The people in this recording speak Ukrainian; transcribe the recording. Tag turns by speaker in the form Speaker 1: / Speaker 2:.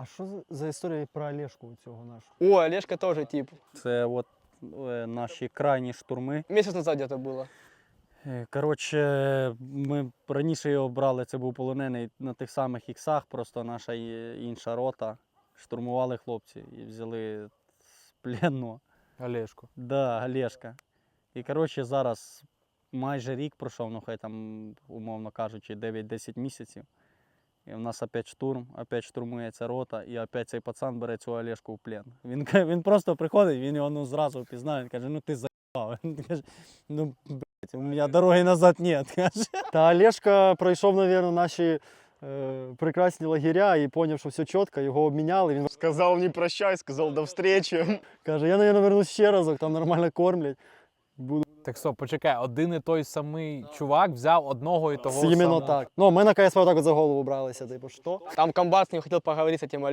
Speaker 1: А що за історія про Олешку у цього нашого?
Speaker 2: О, Олежка тоже тип.
Speaker 3: Це от наші крайні штурми.
Speaker 2: Месяц назад где-то было.
Speaker 3: Коротше, ми раніше його брали, це був полонений на тих самих іксах, просто наша інша рота. Штурмували хлопці і взяли з плену.
Speaker 4: Олешку.
Speaker 3: Да, Олешка. І коротше, зараз майже рік пройшов, ну хай там, умовно кажучи, 9-10 місяців. І в нас опять штурм, опять штурмується рота, і опять цей пацан бере цю Олешку в плен. Він просто приходить, він його ну, зразу впізнає, він каже, ну ти заїбав. Він каже, ну блядь, у мене дороги назад нет. Каже.
Speaker 1: Та Олешка пройшов, мабуть, наші прекрасні лагеря і зрозумів, що все чітко, його обміняли. Він
Speaker 2: Сказал не прощай, сказал до встречи.
Speaker 1: каже, я, мабуть, вернусь ще разок, там нормально кормлять.
Speaker 4: Так стоп, почекай, один і той самий чувак взяв одного і того
Speaker 1: Іменно
Speaker 4: самого.
Speaker 1: так. Ну, ми на КСП так от за голову бралися, типу, що?
Speaker 2: Там комбат с ним хотел поговорить с этим